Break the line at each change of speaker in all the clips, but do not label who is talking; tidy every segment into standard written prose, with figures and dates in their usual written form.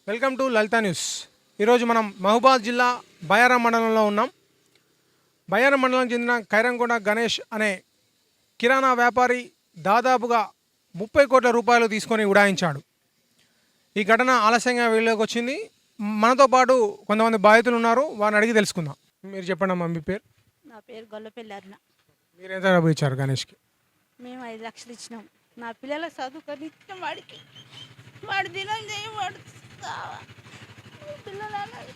Welcome to Lalitha news. ఈరోజు మనం మహబూబాద్ జిల్లా బయారం మండలంలో ఉన్నాం. బయారం మండలం చెందిన ఖైరంగొండ గణేష్ అనే కిరాణా వ్యాపారి దాదాపుగా 30 కోట్ల రూపాయలు తీసుకొని ఉడాయించాడు. ఈ ఘటన ఆలస్యంగా వెలుగులోకి వచ్చింది. మనతో పాటు కొంతమంది బాధితులు ఉన్నారు, వారిని అడిగి తెలుసుకుందాం. మీరు చెప్పండి అమ్మా, మీ పేరు?
నా పేరు గొల్లపల్లి అరుణ.
మీరు ఎంత డబ్బు ఇచ్చారు గణేష్కి?
మేము 5 లక్షలు ఇచ్చినాం. నా పిల్లల చదువుకొని ఇచ్చిన వాడికి, వాడు దినం చేయి, వాడు చావా. పిల్లలు అన్నారు.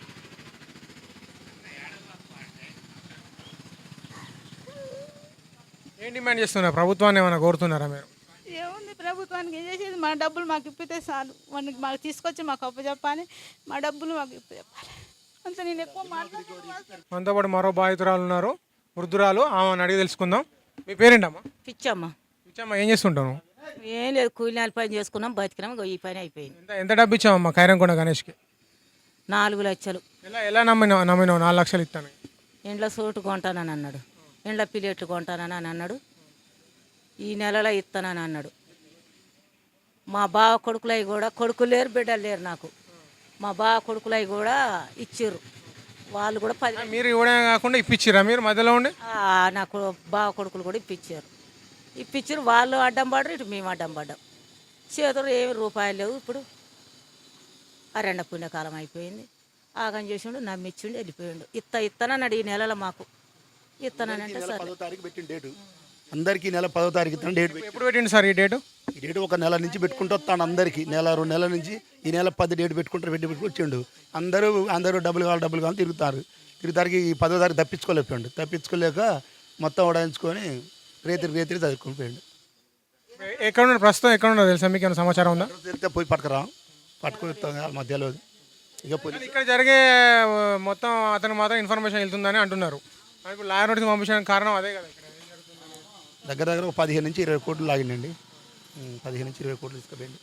ఏం డిమాండ్ చేస్తున్నారు? ప్రభుత్వాన్ని ఏమైనా కోరుతున్నారా మీరు?
ఏముంది ప్రభుత్వానికి ఏం చేసేది? మా డబ్బులు మాకు ఇప్పితే చాలు. వాడికి మాకు తీసుకొచ్చి మాకు అప్పచెప్పాలి, మా డబ్బులు మాకు ఇప్పచెప్పాలి. అంత నేను ఎక్కువ మాట్లాడుతున్నాను.
మనతో పాటు మరో బాధితురాలు ఉన్నారు, వృద్ధురాలు. ఆమెను అడిగి తెలుసుకుందాం. మీ పేరేంటమ్మా?
పిచ్చమ్మ.
ఇచ్చమ్మా, ఏం చేస్తుంటాను?
ఏం లేదు, కూలినాలు పని చేసుకున్నాం, బతికినాం. ఈ పని అయిపోయింది.
ఎంత ఎంత డబ్బు ఇచ్చామమ్మా ఖైరంగొండ గణేష్కి?
4 లక్షలు.
ఎలా నమ్మినావు 4 లక్షలు ఇస్తాను?
ఇండ్ల సోటు కొంటానని అన్నాడు, ఇండ్ల పిల్లెట్లు కొంటానని అన్నాడు, ఈ నెలలో ఇస్తానని అన్నాడు. మా బావ కొడుకులవి కూడా, కొడుకులు లేరు బిడ్డలు లేరు నాకు, మా బావ కొడుకులవి కూడా ఇచ్చిర్రు. వాళ్ళు కూడా 10.
మీరు ఇవ్వడమే కాకుండా ఇప్పించిరా మీరు మధ్యలో ఉండి?
నాకు బావ కొడుకులు కూడా ఇప్పించారు. వాళ్ళు అడ్డం పడరు, ఇటు మేము అడ్డం పడ్డాం. చేతులు ఏమి రూపాయలు లేవు. ఇప్పుడు అరెండ పుణ్యకాలం అయిపోయింది. ఆగం చేసిండు, నమ్మిచ్చిండు, వెళ్ళిపోయిండు. ఇత్తనన్నాడు ఈ నెలలో మాకు. ఇత్తనంటే సరే.
10వ తారీఖు పెట్టిన డేటు అందరికీ, నెల 10వ తారీఖు ఇస్తాను డేట్.
ఎప్పుడు పెట్టిండు సార్ ఈ డేటు?
ఈ డేటు ఒక నెల నుంచి పెట్టుకుంటూ వస్తాను అందరికీ. నెల 2 నెలల నుంచి ఈ నెల 10 డేట్ పెట్టుకుంటూ వచ్చిండు. అందరూ డబ్బులు కావాలి తిరుగుతారు. ఈ 10వ తారీఖు తప్పించుకోలేక మొత్తం ఉడాయించుకొని రేతిరి చదువుకొని పోయిండు.
ఎక్కడ ఉన్నారు ప్రస్తుతం? ఎక్కడ ఉన్నారు తెలుసా మీకు? ఏమైనా సమాచారం ఉందా?
తిరిగితే పోయి పట్టుకొని మధ్యలో ఇక పోయి
ఇక్కడ జరిగే మొత్తం అతను మాత్రం ఇన్ఫర్మేషన్ వెళ్తుందని అంటున్నారు. ఇప్పుడు లాయర్ నోటీస్ పంపించడానికి కారణం అదే కదా. ఇక్కడ ఏం జరుగుతుంది?
దగ్గర ఒక 15 నుంచి 20 కోట్లు లాగిండండి. 15 నుంచి 20 కోట్లు తీసుకుపోయింది.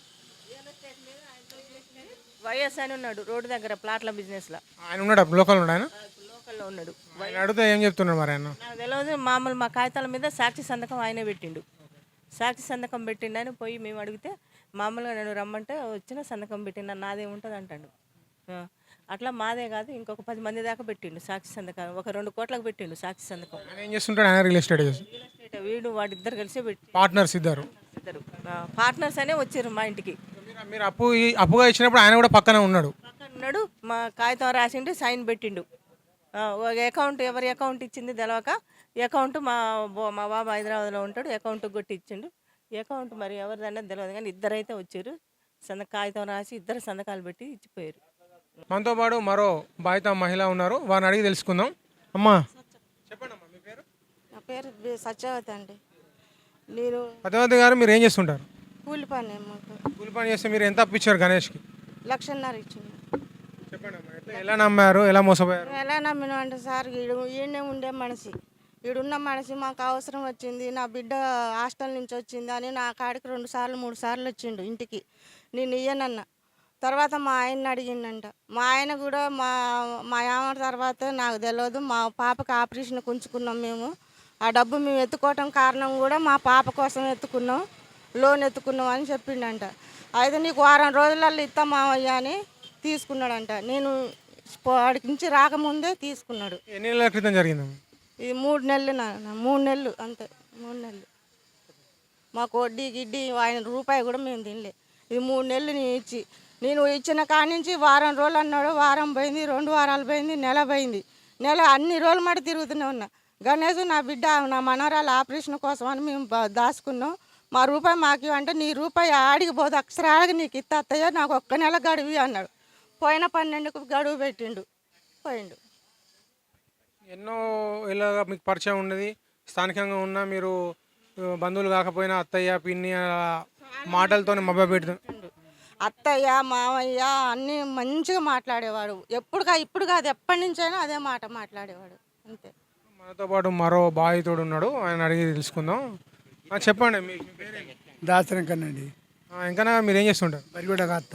వైఎస్ అని ఉన్నాడు రోడ్డు దగ్గర ప్లాట్ల బిజినెస్లో.
ఆయన ఉన్నాడు లోకల్ ఉన్నాడు? ఆయన
లోకల్లో ఉన్నాడు.
ఆయన అడిగితే ఏం చెప్తున్నాడు మరి ఆయన?
నాకు తెలియదు. మామూలు మా కాగితాల మీద సాక్షి సంతకం ఆయనే పెట్టిండు. సాక్షి సంతకం పెట్టిండని పోయి మేము అడిగితే, మామూలుగా నేను రమ్మంటే వచ్చిన సంతకం పెట్టిన నాదేముంటుంది అంటాడు. అట్లా మాదే కాదు, ఇంకొక 10 మంది దాకా పెట్టిండు సాక్షి సంతకం. ఒక 2 కోట్లకు పెట్టిండు సాక్షి సంతకం.
ఆయన ఏం చేస్తుంటాడు? ఆయన రియల్ ఎస్టేట్
వీడు వాడిద్దరు కలిసే పెట్టి
పార్ట్నర్స్ ఇద్దరు
పార్ట్నర్స్ అనే వచ్చారు మా ఇంటికి.
మీరు అప్పుగా ఇచ్చినప్పుడు ఆయన కూడా పక్కన ఉన్నాడు.
పక్కన ఉన్నాడు. మా కాగితం రాసిండు, సైన్ పెట్టిండు. ఒక అకౌంట్, ఎవరి అకౌంట్ ఇచ్చింది తెలవక అకౌంట్ మా బాబు హైదరాబాద్లో ఉంటాడు, అకౌంట్ కొట్టి ఇచ్చిండు. అకౌంట్ మరి ఎవరిదన్నది తెలియదు, కానీ ఇద్దరైతే వచ్చారు. కాగితం రాసి ఇద్దరు సంతకాలు పెట్టి ఇచ్చిపోయారు.
మనతో పాటు మరో బాధిత మహిళ ఉన్నారు, వారిని అడిగి తెలుసుకుందాం. అమ్మా చెప్పండి అమ్మా, మీ పేరు?
నా పేరు సత్యవతి అండి. నేను
పద్మావతి గారు, మీరు ఏం చేస్తుంటారు?
కూలి పని మాకు
కూలి పని చేస్తే మీరు ఎంత అప్పించారు గణేష్కి?
1.5 లక్షలు ఇచ్చింది.
చెప్పండి అమ్మా, ఎలా నమ్మారు, ఎలా మోసపోయారు?
ఎలా నమ్మినా అంటే సార్, ఈయనే ఉండే మనిషి, ఈడున్న మనిషి మాకు అవసరం వచ్చింది, నా బిడ్డ హాస్టల్ నుంచి వచ్చింది అని నా కాడికి 2 సార్లు 3 సార్లు వచ్చిండు ఇంటికి. నేను ఇయ్యనన్నా. తర్వాత మా ఆయన్ని అడిగిండంట. మా ఆయన కూడా మా ఆమె తర్వాత నాకు తెలియదు, మా పాపకి ఆపరేషన్ ఉంచుకున్నాం మేము. ఆ డబ్బు మేము ఎత్తుకోవటం కారణం కూడా మా పాప కోసం ఎత్తుకున్నాం, లోన్ ఎత్తుకున్నాం అని చెప్పిండంట. అయితే నీకు 1 వారం రోజులలో ఇస్తాం మావయ్య అని తీసుకున్నాడంట. నేను వాడికి నుంచి రాకముందే తీసుకున్నాడు.
ఎన్ని నెలల క్రితం జరిగింది?
ఇది 3 నెలలు 3 నెలలు అంతే. 3 నెలలు మాకు వడ్డీ గిడ్డీ ఆయన రూపాయి కూడా మేము తినలే. ఇది 3 నెలలు నేను ఇచ్చిన కాడి నుంచి 1 వారం రోజులు అన్నాడు. వారం పోయింది, 2 వారాలు పోయింది, నెల పోయింది. అన్ని రోజులు మాట తిరుగుతూనే ఉన్నా. గణేష్ నా బిడ్డ, నా మనవరాలు ఆపరేషన్ కోసం అని మేము దాచుకున్నాం. మా రూపాయి మాకు అంటే, నీ రూపాయి ఆడికి పోదు, అక్షరాలకి నీకు ఇత్తయ్యా, నాకు 1 నెల గడువు అన్నాడు. పోయిన 12కు గడువు పెట్టిండు, పోయిండు.
ఎన్నో ఇలాగా మీకు పరిచయం ఉన్నది, స్థానికంగా ఉన్న మీరు బంధువులు కాకపోయినా అత్తయ్య పిన్ని మాటలతో మభ్య పెడుతుంది.
అత్తయ్య మామయ్య అన్నీ మంచిగా మాట్లాడేవాడు. ఇప్పుడు కాదు, ఎప్పటి నుంచైనా అదే మాట మాట్లాడేవాడు అంతే.
మనతో పాటు మరో బాధితుడు ఉన్నాడు, ఆయన అడిగి తెలుసుకుందాం. చెప్పండి, మీ పేరు?
దాసరంకనండి.
ఇంకా మీరు ఏం చేస్తుంటారు?
బరిగూడ కాస్త.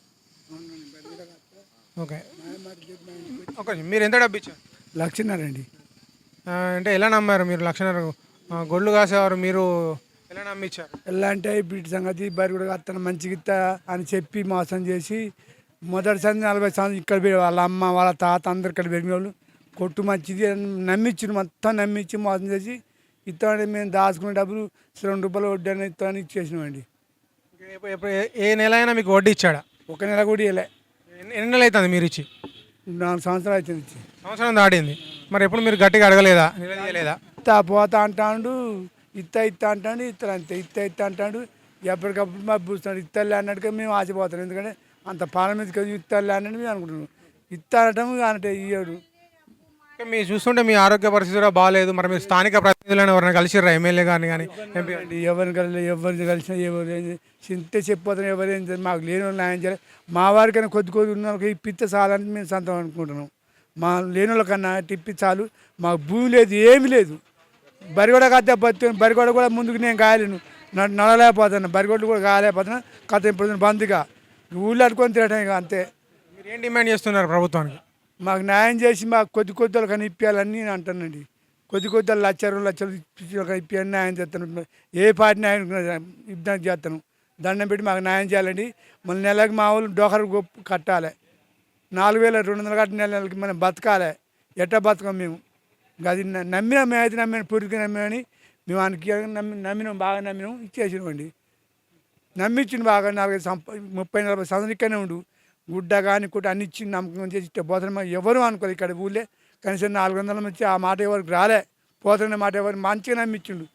ఓకే, మీరు ఎంత డబ్బు ఇచ్చారు?
1.5 లక్షలు అండి.
అంటే ఎలా నమ్మారు మీరు? 1.5 లక్షలు గొడ్లు కాసేవారు, మీరు ఎలా నమ్మించారు?
ఎలా అంటే ఇప్పుడు సంగతి బరిగూడ కాస్తాను మంచిగా ఇస్తా అని చెప్పి మోసం చేసి మొదటిసారి 40 సంవత్సరాలు ఇక్కడ వాళ్ళ అమ్మ వాళ్ళ తాత అందరు ఇక్కడ పెరిగిన వాళ్ళు కొట్టు మంచిది నమ్మించి మొత్తం నమ్మించి మోసం చేసి ఇస్తామని మేము దాచుకునే డబ్బులు ₹2 వడ్డీ అని ఇస్తామని ఇచ్చేసినామండి.
ఏ నెల అయినా మీకు వడ్డీ ఇచ్చాడా?
ఒక నెల కూడా ఇవ్వలే.
ఎన్ని నెలలు అవుతుంది మీరు ఇచ్చి?
4 సంవత్సరాలు అవుతుంది ఇచ్చి.
సంవత్సరం దాటింది. మరి ఎప్పుడు మీరు గట్టిగా అడగలేదా, నిలదీయలేదా?
ఇస్తా పోతా అంటాడు, ఇస్తా అంటాడు, ఇస్తారు అంతే. ఇస్తా అంటాడు, ఎప్పటికప్పుడు మాకు పూస్తాడు. ఇస్తాలే అన్నట్టుగా మేము ఆశపోతాం. ఎందుకంటే అంత పాలన మీద ఇస్తాలే అన్నట్టు మేము అనుకుంటున్నాం. ఇస్తానటం అంటే ఇయ్యాడు.
మీరు చూస్తుంటే మీ ఆరోగ్య పరిస్థితి కూడా బాగాలేదు. మరి మీరు స్థానిక ప్రతినిధులను ఎవరైనా కలిసిర్రా, ఎమ్మెల్యే గారిని కానీ ఎంపీ?
ఎవరిని కలిసి ఎవరిని కలిసినా ఎవరు చింతే చెప్పిపోతాను. ఎవరేం మాకు లేని వాళ్ళు న్యాయం చేయాలి. మా వారికైనా కొద్ది ఉన్న వాళ్ళకి ఇప్పిస్తే చాలని మేము సొంతం అనుకుంటున్నాం. మా లేని వాళ్ళకన్నా ఇప్పి చాలు. మాకు భూమి లేదు, ఏమీ లేదు. బరిగొడ కథ బతుకుని బరిగొడ కూడా ముందుకు నేను కాయలేను, నడలేకపోతాను. బరిగొడ్లు కూడా కాలేకపోతున్నా. కథ ఇప్పుడు బంద్గా ఊళ్ళో అడుకొని తిరగటం ఇక అంతే.
మీరు ఏం డిమాండ్ చేస్తున్నారు ప్రభుత్వానికి?
మాకు న్యాయం చేసి మాకు కొద్ది వాళ్ళు కానీ ఇప్పించాలని నేను అంటానండి. కొద్ది వాళ్ళు లక్షలు ఇప్పించాలని న్యాయం చేస్తాను. ఏ పార్టీ న్యాయం ఇబ్బంది చేస్తాను. దండం పెట్టి మాకు న్యాయం చేయాలండి. మళ్ళీ నెలకి మా వాళ్ళు డోకరు కట్టాలి. 4200 కట్టిన నెలకి మనం బతకాలి. ఎట్టా బతకం మేము? అది నమ్మినాం. మేమైతే నమ్మిన పూర్తిగా నమ్మినని మేము ఆయనకి నమ్మినాం, బాగా నమ్మినాం, ఇచ్చేసినామండి. నమ్మించింది బాగా. 30-40 సంవత్సరాలు ఇక్కడనే ఉండు. గుడ్డ కానీ కుట్ట అన్ని ఇచ్చి నమ్మకం చేసి ఇట్టే పోతాను. ఎవరు అనుకోలేదు ఇక్కడ ఊళ్ళే. కనీసం 400 వచ్చి ఆ మాట ఎవరికి రాలే. పోతున్న మాట ఎవరు మంచిగా నమ్మించిండు.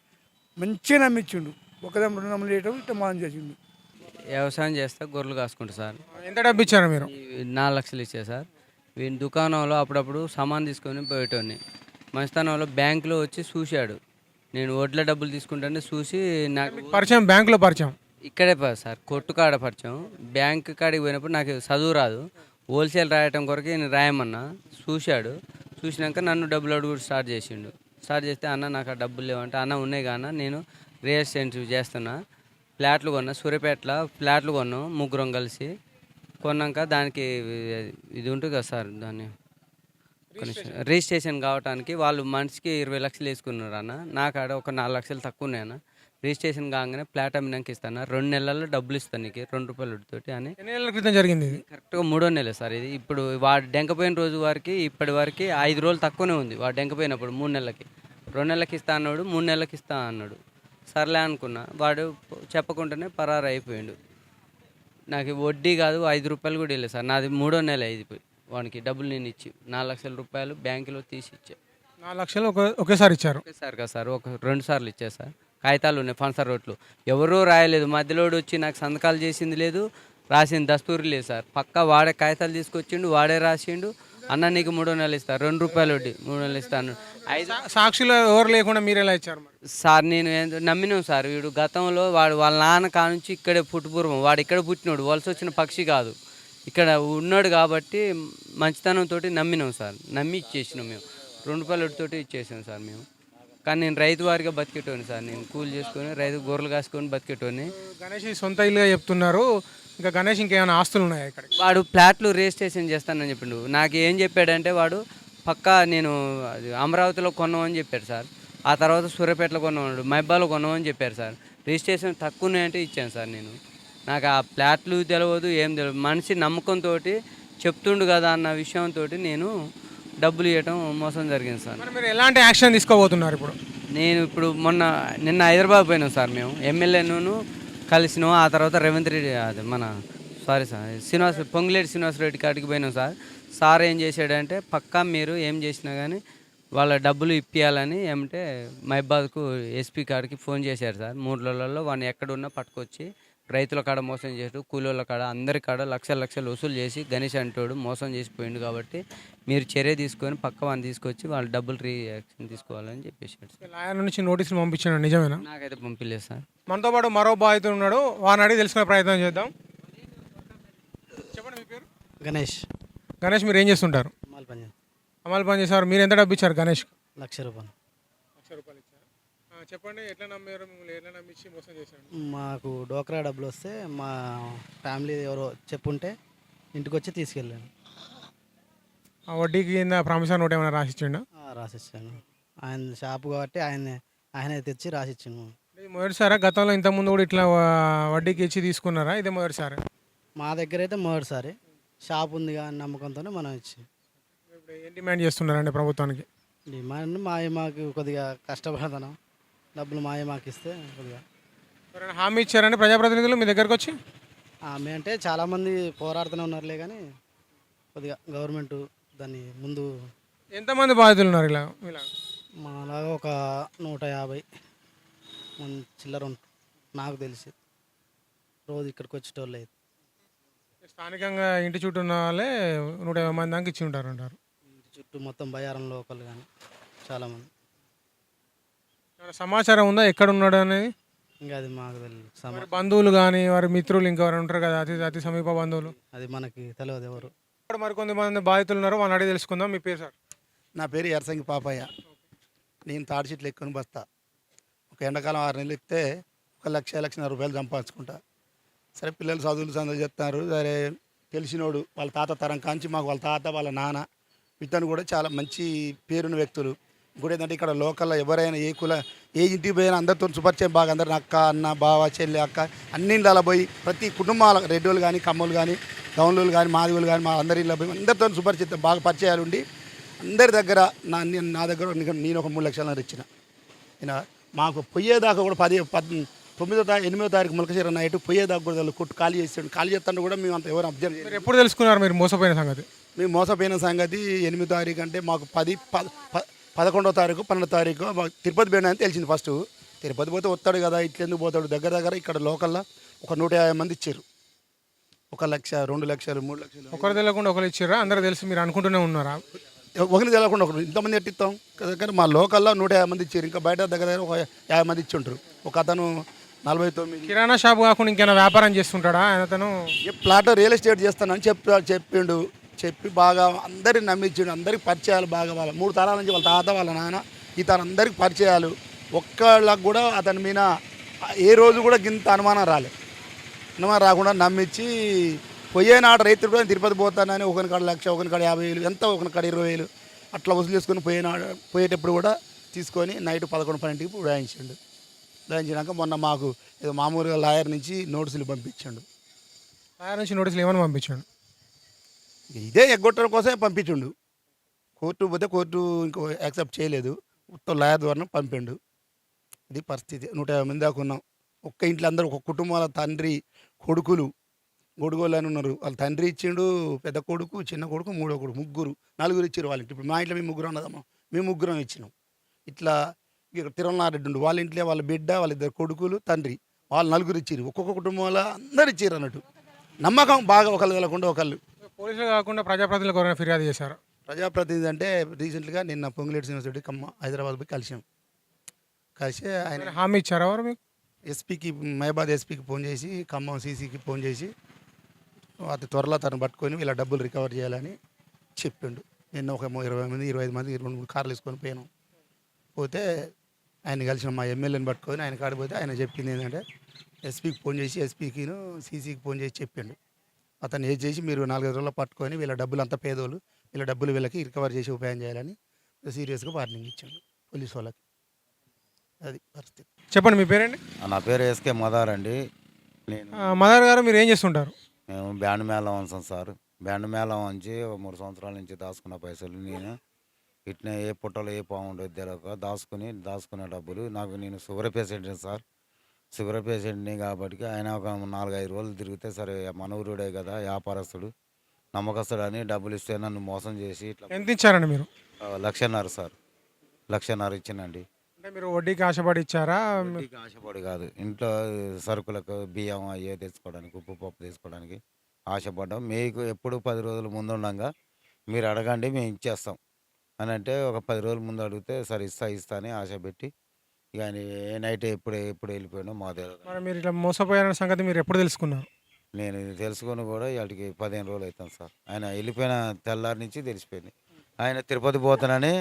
ఒకదం 2 నెలలు వేయటం ఇట్లా మోసం చేసిండు.
వ్యవసాయం చేస్తే గొర్రెలు కాసుకుంటా సార్.
ఎంత డబ్బు ఇచ్చారు మీరు?
4 లక్షలు ఇచ్చా సార్. వీని దుకాణంలో అప్పుడప్పుడు సామాన్ తీసుకొని పోయేటోని. మంచితనంలో బ్యాంకులో వచ్చి చూశాడు. నేను వడ్ల డబ్బులు తీసుకుంటానే చూసి నాకు
పరిచయం, బ్యాంకులో పరిచయం.
ఇక్కడే సార్ కొట్టుకాడ పరిచయం. బ్యాంక్ కాడికి పోయినప్పుడు నాకు చదువు రాదు. హోల్సేల్ రాయటం కొరకు నేను రాయమన్నా. చూశాడు. చూసినాక నన్ను డబ్బులు అడుగుడు స్టార్ట్ చేస్తే అన్న నాకు ఆ డబ్బులు లేవంటే, అన్న ఉన్నాయి కానీ నేను రియల్ ఎస్టేట్ చేస్తున్నా, ఫ్లాట్లు కొన్నా, సూర్యాపేటలో ఫ్లాట్లు కొన్నాం 3 కలిసి. కొన్నాక దానికి ఇది ఉంటుంది కదా సార్, దాన్ని రిజిస్ట్రేషన్ కావడానికి వాళ్ళు మనిషికి 20 లక్షలు వేసుకున్నారు అన్న. నాకు ఆడ ఒక 4 లక్షలు తక్కువ ఉన్నాయన్న. రిజిస్ట్రేషన్ కాగానే ఫ్లాట్ అమ్మినాక ఇస్తాను, 2 నెలల్లో డబ్బులు ఇస్తాను నీకు ₹2 తోటి అని.
ఎన్ని నెలల క్రితం జరిగింది ఇది?
కరెక్ట్గా 3వ నెల సార్ ఇది. ఇప్పుడు వాడు డెంకపోయిన రోజు వారికి ఇప్పటి వరకు 5 రోజులు తక్కువనే ఉంది. వాడు డెంకపోయినప్పుడు 3 నెలలకి 2 నెలలకి ఇస్తా అన్నాడు, 3 నెలలకి ఇస్తా అన్నాడు. సర్లే అనుకున్నా. వాడు చెప్పకుండానే పరారు అయిపోయాడు. నాకు వడ్డీ కాదు ₹5 కూడా వెళ్ళలేదు సార్. నాది 3వ నెల అయిపోయి వానికి డబ్బులు నేను ఇచ్చి ₹4 లక్షలు బ్యాంకులో తీసి ఇచ్చా.
4 లక్షలు ఒకేసారి ఇచ్చారు?
ఒకేసారి కదా సార్, 2 సార్లు ఇచ్చా సార్. కాగితాలు ఉన్నాయి, ఫన్సర్ రోడ్లు. ఎవరూ రాయలేదు. మధ్యలోడు వచ్చి నాకు సంతకాలు చేసింది లేదు, రాసింది దస్తూరి లేదు సార్. పక్కా వాడే కాగితాలు తీసుకొచ్చిండు, వాడే రాసిండు. అన్న నీకు 3వ నెల ఇస్తా, ₹2 వడ్డీ, 3 నెలలు ఇస్తాను.
సాక్షులు ఎవరు లేకుండా మీరు ఎలా ఇచ్చారు
సార్? నేను నమ్మినాం సార్. వీడు గతంలో వాడు వాళ్ళ నాన్న కానుంచి ఇక్కడే పుట్టుపూర్వం, వాడు ఇక్కడ పుట్టినాడు, వలస వచ్చిన పక్షి కాదు, ఇక్కడ ఉన్నాడు. కాబట్టి మంచితనంతో నమ్మినాం సార్. నమ్మి ఇచ్చేసినాం మేము. ₹2 వడ్డీతోటి ఇచ్చేసాం సార్ మేము. కానీ నేను రైతు వారిగా బతికేటోని సార్. నేను కూలి చేసుకొని రైతు గొర్రెలు కాసుకొని బతికేటోని.
గణేష్ సొంత ఇల్లుగా చెప్తున్నారు. ఇంకా గణేష్ ఇంకేమైనా ఆస్తులు ఉన్నాయా ఇక్కడ?
వాడు ఫ్లాట్లు రిజిస్ట్రేషన్ చేస్తానని చెప్పిండు. నాకు ఏం చెప్పాడంటే వాడు పక్కా నేను అమరావతిలో కొన్నామని చెప్పాడు సార్. ఆ తర్వాత సూర్యాపేటలో కొన్నామన్నాడు, మైబాలో కొన్నామని చెప్పారు సార్. రిజిస్ట్రేషన్ తక్కువనే అంటే ఇచ్చాను సార్ నేను. నాకు ఆ ఫ్లాట్లు తెలియదు, ఏం తెలియదు. మనిషి నమ్మకంతో చెప్తుండు కదా అన్న విషయంతో నేను డబ్బులు ఇవ్వటం మోసం జరిగింది సార్.
మీరు ఎలాంటి యాక్షన్ తీసుకోబోతున్నారు ఇప్పుడు?
నేను ఇప్పుడు నిన్న హైదరాబాద్ పోయినాం సార్. మేము ఎమ్మెల్యేను కలిసినాం. ఆ తర్వాత రేవంత్ రెడ్డి అది పొంగులేటి శ్రీనివాసరెడ్డి కాడికి పోయినాం సార్. సార్ ఏం చేశాడంటే పక్కా మీరు ఏం చేసినా కానీ వాళ్ళ డబ్బులు ఇప్పియాలని ఏమంటే మైబాద్కు ఎస్పీ కాడికి ఫోన్ చేశారు సార్. 3 రోజులలో వాడిని ఎక్కడున్నా పట్టుకొచ్చి రైతుల కాడ మోసం చేస్తూ కూలీల కాడ అందరి కాడ లక్షలు వసూలు చేసి గణేష్ అంటోడు మోసం చేసిపోయిండు. కాబట్టి మీరు చర్య తీసుకొని పక్క వాడిని తీసుకొచ్చి వాళ్ళ డబ్బులు రియాక్షన్ తీసుకోవాలని చెప్పేసాడు సార్.
లాయర్ నుంచి నోటీసులు పంపించాడు, నిజమేనా?
నాకైతే పంపించలేదు సార్.
మనతో పాటు మరో బాధితుడు ఉన్నాడు, వాడిని అడిగి తెలుసుకునే ప్రయత్నం చేద్దాం. చెప్పండి మీ పేరు?
గణేష్.
గణేష్ మీరు ఏం చేస్తుంటారు? అమలు పని చేశారు. మీరు ఎంత డబ్బు ఇచ్చారు గణేష్?
₹1,00,000.
₹1,00,000 ఇచ్చారు. చెప్పండి, ఎట్లా నమ్మారు? మిమ్మల్ని ఎట్లా నమ్మించి మోసం చేశాడు?
మాకు డోక్రా డబ్బులు వస్తే మా ఫ్యామిలీ ఎవరో చెప్పుంటే ఇంటికి వచ్చి తీసుకెళ్ళాను.
ఆ వడ్డీకి కింద ప్రామిసర్ నోట్ ఏమైనా రాసిచ్చిండా?
రాసిచ్చాను. ఆయన షాపు కాబట్టి ఆయనే తెచ్చి రాసిచ్చాను.
మొదటిసారా? గతంలో ఇంతకుముందు కూడా ఇట్లా వడ్డీకి ఇచ్చి తీసుకున్నారా? ఇదే మొదటిసారి?
మా దగ్గర అయితే మొదటిసారి. షాప్ ఉందిగా అని నమ్మకంతోనే మనం ఇచ్చాం.
ఇప్పుడు ఏం డిమాండ్ చేస్తున్నారండి ప్రభుత్వానికి?
డిమాండ్ మాకు కొద్దిగా కష్టపడతాను, డబ్బులు మాకు ఇస్తే కొద్దిగా.
ఎవరైనా హామీ ఇచ్చారండి ప్రజాప్రతినిధులు మీ దగ్గరకు వచ్చి?
ఆమె అంటే చాలామంది పోరాడుతూనే ఉన్నారులే, కానీ కొద్దిగా గవర్నమెంట్ దాన్ని ముందు.
ఎంతమంది బాధితులు ఉన్నారు ఇలా?
మాలాగా ఒక 150 మంది చిల్లర ఉంటారు నాకు తెలిసి, రోజు ఇక్కడికి వచ్చేటోళ్ళు అయితే.
స్థానికంగా ఇంటి చుట్టూ ఉన్న వాళ్ళే 150 మంది దాకా ఇచ్చి ఉంటారు అంటారు.
ఇంటి చుట్టూ మొత్తం బయ్యారం లోకల్ కానీ చాలామంది.
ఏమైనా సమాచారం ఉందా ఎక్కడ ఉన్నాడు అనేది?
ఇంకా అది మాకు తెలియదు.
వారి బంధువులు కానీ వారి మిత్రులు ఇంకెవరు ఉంటారు కదా, అతి సమీప బంధువులు?
అది మనకి తెలియదు ఎవరు.
ఇక్కడ మరికొంతమంది బాధితులు ఉన్నారు, వాళ్ళని అడిగి తెలుసుకుందాం. మీ పేరు సార్?
నా పేరు ఎర్సంగి పాపయ్య. నేను తాడి చెట్లు ఎక్కుని బస్తా. ఒక ఎండాకాలం 6 నెలలు ఎక్కితే 1,00,00,000 రూపాయలు సంపాదించుకుంటా. సరే పిల్లలు చదువులు చెప్తున్నారు. సరే తెలిసినోడు వాళ్ళ తాత తరం కాంచి మాకు వాళ్ళ తాత వాళ్ళ నాన్న ఇతను కూడా చాలా మంచి పేరున్న వ్యక్తులు. ఇంకోటి ఏంటంటే ఇక్కడ లోకల్లో ఎవరైనా ఏ ఇంటికి పోయినా అందరితో సుపరిచయం బాగా. అందరిని అక్క అన్న బావ చెల్లి అక్క అన్ని ఇళ్ళలో పోయి ప్రతి కుటుంబాల రెడ్డోళ్ళు కానీ కమ్మలు కానీ గౌన్లు కానీ మాదివులు కానీ మా అందరి ఇళ్ళ పోయి అందరితో సుపరిచితం బాగా పరిచయాలు ఉండి అందరి దగ్గర నా దగ్గర నేను ఒక 3 లక్షలు ఇచ్చిన. మాకు పోయేదాకా కూడా 9వ తారీఖు 8వ తారీఖు ములకశీర నైట్ పోయేదాకా కూడా కొట్టు ఖాళీ చేస్తాడు. ఖాళీ చేస్తాను కూడా మేము అంత ఎవరు అబ్జర్వ్ చేయలేదు.
ఎప్పుడు తెలుసుకున్నారు మీరు మోసపోయిన సంగతి?
మేము మోసపోయిన సంగతి 8వ తారీఖు అంటే మాకు 11వ తారీఖు 12వ తారీఖు మాకు తిరుపతి పోయినా అని తెలిసింది. ఫస్ట్ తిరుపతి పోతే వస్తాడు కదా, ఇట్లెందుకు పోతాడు? దగ్గర ఇక్కడ లోకల్లో ఒక 150 మంది ఇచ్చారు. 1 లక్ష 2 లక్షలు 3 లక్షలు
ఒకరు తెలియకుండా ఒకరు ఇచ్చారా? అందరూ తెలిసి మీరు అనుకుంటూనే ఉన్నారా?
ఒకరిని తెలియకుండా ఒకరు ఇంతమంది ఎట్టిస్తాం కానీ మా లోకల్లో 150 మంది ఇచ్చారు. ఇంకా బయట దగ్గర ఒక 50 మంది ఇచ్చి ఉంటారు. ఒక అతను 49.
కిరాణా షాప్ కాకుండా ఇంకేమైనా వ్యాపారం చేస్తుంటాడా అతను?
ప్లాట్ రియల్ ఎస్టేట్ చేస్తానని చెప్పిండు. చెప్పి బాగా అందరిని నమ్మించిండు. అందరికి పరిచయాలు బాగా. వాళ్ళ 3 తరాల నుంచి వాళ్ళ తాత వాళ్ళ నాన్న ఇతను అందరికి పరిచయాలు. ఒక్కళ్ళకు కూడా అతని మీద ఏ రోజు కూడా గింత అనుమానం రాకుండా నమ్మించి పోయేనాడు రైతులు కూడా తిరుపతి పోతానని ఒకరికాడ 1,00,000 ఒకరికాడ 50,000 ఎంత ఒకరికాడ 20,000 అట్లా వసూలు చేసుకొని పోయేటప్పుడు కూడా తీసుకొని నైట్ 11-12కి ఉడాయించిండు. ఉడాయించినాక మొన్న మాకు ఏదో మామూలుగా లాయర్ నుంచి నోటీసులు పంపించండు.
లాయర్ నుంచి నోటీసులు ఏమని పంపించాడు?
ఇదే ఎగ్గొట్టడం కోసమే పంపించిండు. కోర్టు పోతే కోర్టు ఇంకో యాక్సెప్ట్ చేయలేదు. మొత్తం లాయర్ ద్వారా పంపిండు. ఇది పరిస్థితి. 150 మంది దాకా ఉన్నాం. ఒక్క ఇంట్లో అందరూ ఒక కుటుంబాల తండ్రి కొడుకులు గొడుగోళ్ళు అని ఉన్నారు. వాళ్ళ తండ్రి ఇచ్చిండు, పెద్ద కొడుకు చిన్న కొడుకు 3వ కొడుకు 4 ఇచ్చారు వాళ్ళ ఇంటి. ఇప్పుడు మా ఇంట్లో మేము 3 ఉన్నదమ్మా, మేము 3 ఇచ్చినాం. ఇట్లా ఇక్కడ తిరుమలారెడ్డి ఉండు వాళ్ళ ఇంట్లో వాళ్ళ బిడ్డ వాళ్ళ 2 కొడుకులు తండ్రి వాళ్ళు 4 ఇచ్చారు. ఒక్కొక్క కుటుంబంలో అందరు ఇచ్చారు అన్నట్టు. నమ్మకం బాగా ఒకళ్ళు వెళ్ళకుండా ఒకళ్ళు.
పోలీసులు కాకుండా ప్రజాప్రతినిధులకు ఎవరైనా ఫిర్యాదు చేశారు?
ప్రజాప్రతినిధి అంటే రీసెంట్గా నిన్న పొంగులేటి యూనివర్సిటీ హైదరాబాద్ పోయి కలిసి ఆయన
హామీ ఇచ్చారా వారు మీకు?
ఎస్పీకి మహబాద్ ఎస్పీకి ఫోన్ చేసి ఖమ్మం సీసీకి ఫోన్ చేసి అతి త్వరలో తను పట్టుకొని వీళ్ళ డబ్బులు రికవర్ చేయాలని చెప్పిండు. నిన్న ఒక 20 మంది 25 మంది 2-3 కార్లు వేసుకొని పోయినాం. పోతే ఆయన కలిసిన మా ఎమ్మెల్యేని పట్టుకొని ఆయన కాడిపోతే ఆయన చెప్పింది ఏంటంటే ఎస్పీకి ఫోన్ చేసి ఎస్పీకిను సీసీకి ఫోన్ చేసి చెప్పిండు. అతను ఏది చేసి మీరు 4-5 రోజుల్లో పట్టుకొని వీళ్ళ డబ్బులు అంతా పేదోళ్ళు వీళ్ళ డబ్బులు వీళ్ళకి రికవర్ చేసి ఉపాయం చేయాలని సీరియస్గా వార్నింగ్ ఇచ్చాడు పోలీసు వాళ్ళకి. అది పరిస్థితి.
చెప్పండి మీ పేరండి?
నా పేరు ఎస్కే మదార్ అండి. నేను
మదర్ గారు మీరు ఏం చేస్తుంటారు?
మేము బ్యాండ్ మేళం వంచాం సార్. బ్యాండ్ మేళం వంచి 3 సంవత్సరాల నుంచి దాచుకున్న పైసలు నేను ఇట్నే ఏ పుట్టలో ఏ పాము ఉండేది తెలియక దాచుకునే డబ్బులు నేను షుగర్ పేషెంట్ని సార్. షుగర్ పేషెంట్ని కాబట్టి ఆయన ఒక 4-5 రోజులు తిరిగితే సరే మనవరుడే కదా వ్యాపారస్తుడు నమ్మకస్తుడు అని డబ్బులు ఇస్తే నన్ను మోసం చేసి ఇట్లా.
ఎంత ఇచ్చారండి మీరు?
1,50,000 సార్. 1,50,000 ఇచ్చానండి.
అంటే మీరు వడ్డీకి ఆశపడి ఇచ్చారా?
వడ్డీకి ఆశపడి కాదు, ఇంట్లో సరుకులకు బియ్యం అయ్యే తెచ్చుకోవడానికి ఉప్పు పప్పు తెచ్చుకోవడానికి ఆశపడ్డాం. మీకు ఎప్పుడు 10 రోజుల ముందు ఉండగా మీరు అడగండి మేము ఇచ్చేస్తాం అని అంటే ఒక 10 రోజుల ముందు అడిగితే సరే ఇస్తా అని ఆశ పెట్టి ఇక ఆయన ఏ నైట్ ఎప్పుడు వెళ్ళిపోయాడో మా దగ్గర.
మరి మీరు ఇట్లా మోసపోయారన్న సంగతి మీరు ఎప్పుడు తెలుసుకున్నారు?
నేను తెలుసుకొని కూడా ఇవాటికి 15 రోజులు అవుతాను సార్. ఆయన వెళ్ళిపోయిన తెల్లారి నుంచి తెలిసిపోయింది. ఆయన తిరుపతి పోతానని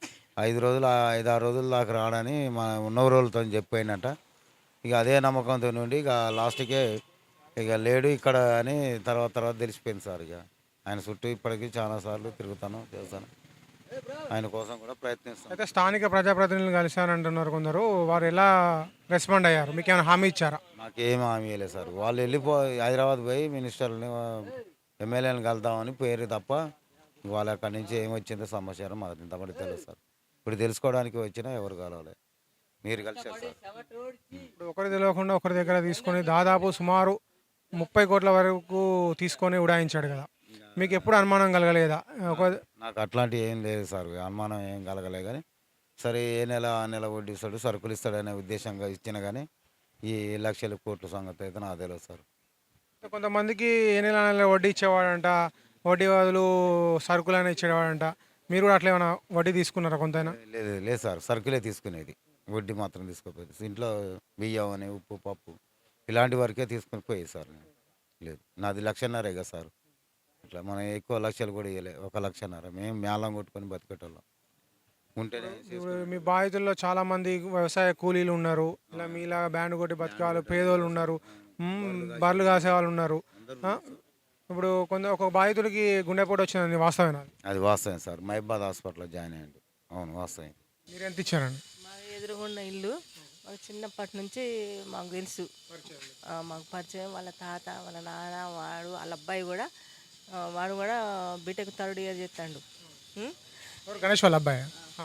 5-6 రోజుల దాకా రాడని మా ఉన్న రోజులతో చెప్పిపోయినట్ట. ఇక అదే నమ్మకంతో నుండి ఇక లాస్ట్కే ఇక లేడు ఇక్కడ అని తర్వాత తెలిసిపోయింది సార్. ఇక ఆయన చుట్టూ ఇప్పటికీ చాలాసార్లు తిరుగుతాను చేస్తాను. ఆయన కోసం కూడా ప్రయత్నిస్తాను.
అయితే స్థానిక ప్రజాప్రతినిధులు కలిశానంటున్నారు కొందరు, వారు ఎలా రెస్పాండ్ అయ్యారు? మీకు ఏమైనా హామీ ఇచ్చారా?
నాకేం హామీ లేదు సార్. వాళ్ళు హైదరాబాద్ పోయి మినిస్టర్ని ఎమ్మెల్యేని కలుద్దామని పేరు తప్ప వాళ్ళ అక్కడి నుంచి ఏమొచ్చిందో సమాచారం మాకు ఇంతమంది తెలుసు సార్. ఇప్పుడు తెలుసుకోవడానికి వచ్చినా ఎవరు కలవాలి, మీరు కలిసారు సార్.
ఇప్పుడు ఒకరి తెలియకుండా ఒకరి దగ్గర తీసుకొని దాదాపు సుమారు 30 కోట్ల వరకు తీసుకొని ఉడాయించాడు కదా, మీకు ఎప్పుడు అనుమానం కలగలేదా?
నాకు అట్లాంటివి ఏం లేదు సార్, అనుమానం ఏం కలగలే. కానీ సరే ఏ నెల ఆ నెల వడ్డీ ఇస్తాడు, సరుకులు ఇస్తాడనే ఉద్దేశంగా ఇచ్చిన కానీ ఈ లక్షల కోట్ల సంగతి అయితే నాకు తెలియదు సార్.
కొంతమందికి ఏ నెల నెల వడ్డీ ఇచ్చేవాడంట, వడ్డీ బదులు సరుకులైనా ఇచ్చేవాడంట. మీరు కూడా అట్లా ఏమైనా వడ్డీ తీసుకున్నారా కొంతైనా?
లేదు లేదు సార్, సరుకులే తీసుకునేది, వడ్డీ మాత్రం తీసుకోపోయేది. ఇంట్లో బియ్యం అని ఉప్పు పప్పు ఇలాంటి వరకే తీసుకుని పోయేది సార్. నేను లేదు, నాది 1.5 లక్ష కదా సార్. ఇట్లా మనం ఎక్కువ లక్షలు కూడా ఇవ్వలే, 1 లక్షన్నర. మేము మేళం కొట్టుకొని బతికేటోళ్ళం ఉంటేనే.
ఇప్పుడు మీ బాధితుల్లో చాలా మంది వ్యవసాయ కూలీలు ఉన్నారు, ఇలా మీలా బ్యాండ్ కొట్టి బతికే వాళ్ళు, పేదోళ్ళు ఉన్నారు, బర్రెలు కాసే వాళ్ళు ఉన్నారు. ఇప్పుడు ఒక బాధితుడికి గుండెపోటు వచ్చింది, వాస్తవేనా?
అది వాస్తవం సార్, మహిబాద్ హాస్పిటల్లో జాయిన్ అయ్యండి. అవును వాస్తవం.
మీరు ఎంత ఇచ్చారండి?
మా ఎదురుగున్న ఇల్లు మాకు చిన్నప్పటి నుంచి మాకు తెలుసు, మాకు పరిచయం. వాళ్ళ తాత, వాళ్ళ నాన్న, వాళ్ళ అబ్బాయి కూడా, వాడు కూడా బీటెక్ 3rd ఇయర్ చేస్తాడు.
గణేష్ వాళ్ళ అబ్బాయి.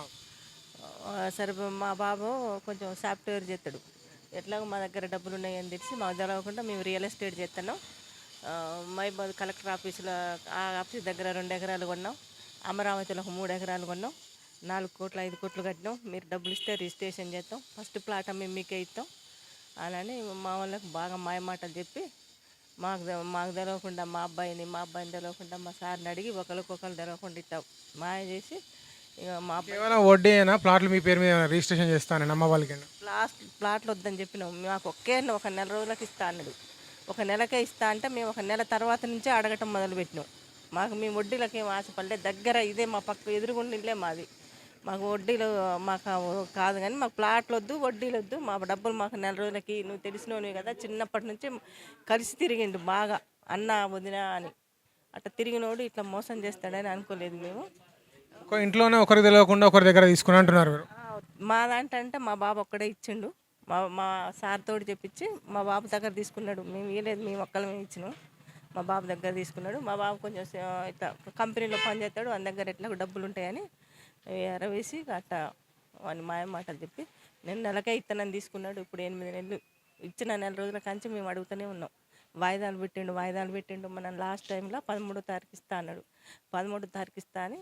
సరే మా బాబు కొంచెం సాఫ్ట్వేర్ చేస్తాడు. ఎట్లాగో మా దగ్గర డబ్బులు ఉన్నాయని తెలిసి మాకు తెలవకుండా మేము రియల్ ఎస్టేట్ చేస్తున్నాం. మహిబాద్ కలెక్టర్ ఆఫీసులో, ఆ ఆఫీస్ దగ్గర 2 ఎకరాలు కొన్నాం. అమరావతిలో ఒక 3 ఎకరాలు కొన్నాం. 4 కోట్లు 5 కోట్లు కట్టినాం. మీరు డబ్బులు ఇస్తే రిజిస్ట్రేషన్ చేస్తాం, ఫస్ట్ ప్లాట్ మేము మీకే ఇస్తాం అని మా వాళ్ళకి బాగా మాయమాటలు చెప్పి మాకు తెలవకుండా మా అబ్బాయిని తెలియకుండా మా సార్ని అడిగి ఒకరికొకరు తెలవకుండా ఇస్తాం మాయ చేసి ఇక మా
కేవలం వడ్డీ అయినా ప్లాట్లు మీ పేరు మీద రిజిస్ట్రేషన్ చేస్తాను అమ్మ వాళ్ళకి.
ప్లాట్లు వద్దని చెప్పినాం. మాకు ఒక నెల రోజులకి ఇస్తా అన్నాడు. ఒక నెలకే ఇస్తా అంటే మేము ఒక నెల తర్వాత నుంచే అడగటం మొదలుపెట్టినాం. మేము వడ్డీలకి ఏం ఆశపడలేదు. దగ్గర ఇదే మా పక్క ఎదురుగుండా ఇల్లే మాది. మాకు వడ్డీలు మాకు కాదు, కానీ మాకు ప్లాట్లు వద్దు, వడ్డీలు వద్దు, మా డబ్బులు మాకు నెల రోజులకి. నువ్వు తెలిసినవి కదా, చిన్నప్పటి నుంచి కలిసి తిరిగిండు బాగా, అన్న వదిన అని. అట్లా తిరిగినోడు ఇట్లా మోసం చేస్తాడని అనుకోలేదు మేము.
ఇంట్లోనే ఒకరికి తెలియకుండా ఒకరి దగ్గర తీసుకుని అంటున్నారు మీరు.
మా దాంట్లో మా బాబు ఒక్కడే ఇచ్చిండు. మా సార్ తోడు చెప్పించి మా బాబు దగ్గర తీసుకున్నాడు. మేము ఇవ్వలేదు, మేము ఒక్కళ్ళమే ఇచ్చినాం. మా బాబు దగ్గర తీసుకున్నాడు. మా బాబు కొంచెం ఇట్లా కంపెనీలో పనిచేస్తాడు, వాళ్ళ దగ్గర ఎట్లా డబ్బులు ఉంటాయని ఎరవేసి అట్లా వాని మాటలు చెప్పి నేను నెలకే ఇస్తానని తీసుకున్నాడు. ఇప్పుడు 8 నెలలు ఇచ్చిన నెల రోజుల కంచి మేము అడుగుతూనే ఉన్నాం. వాయిదాలు పెట్టిండు. మన లాస్ట్ టైంలో 13వ తారీఖు ఇస్తా అన్నాడు. 13వ తారీఖు ఇస్తా అని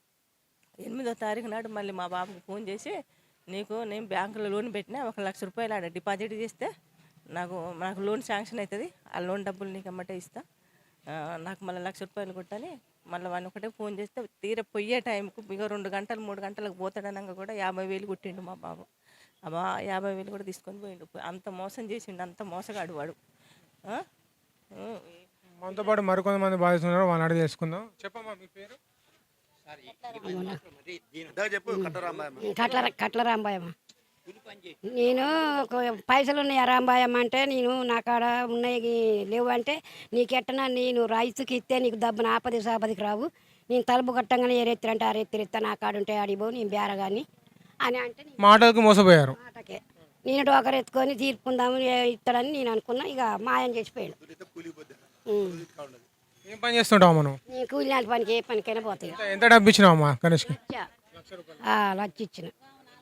8వ తారీఖు నాడు మళ్ళీ మా బాబుకి ఫోన్ చేసి, నేను బ్యాంకులో లోన్ పెట్టినా, 1 లక్ష రూపాయలు ఆడ డిపాజిట్ చేస్తే నాకు లోన్ శాంక్షన్ అవుతుంది, ఆ లోన్ డబ్బులు నీకు అమ్మటే ఇస్తా, నాకు మళ్ళీ 1 లక్ష రూపాయలు కొట్టని మళ్ళీ వాడిని ఒకటే ఫోన్ చేస్తే తీర పోయే టైంకు ఇక 2 గంటలు 3 గంటలకు పోతాడనగా కూడా 50,000 కొట్టిండు మా బాబు. 50,000 కూడా తీసుకొని పోయిండు. అంత మోసం చేసిండు, అంత మోసగాడు వాడు.
మనతో పాటు మరికొంతమంది బాధిస్తున్నారు, వాళ్ళని అడిగి తెలుసుకుందాం. చెప్పమ్మా మీ పేరు?
కట్ల రాంబాయమ్మ. నేను పైసలు ఉన్నాయి రాంబాయమ్మ అంటే, నేను నా కాడ ఉన్నాయి లేవు అంటే, నీకెట్టనా నేను రైతుకి ఇస్తే నీకు దబ్బున ఆపదికి రావు, నేను తలుపు కట్టంగానే ఏరెత్తిరంటే ఆరెత్తిరిస్తా, నా కాడ ఉంటే అడిగిపో, నేను బేరగాని అని అంటే
మాటలకు మోసపోయారు.
మాటకే నేను ఒకరు ఎత్తుకొని తీర్పుకుందాము ఇస్తాడని నేను అనుకున్నా. ఇక మాయం చేసిపోయాడు.
ఏం పని చేస్తుంటావు మనం?
నేను కూలి పనికి ఏ పనికైనా పోతాయి.
ఎంత డబ్బు ఇచ్చినావమ్మా గణేష్కి?
1 లక్ష ఇచ్చిన.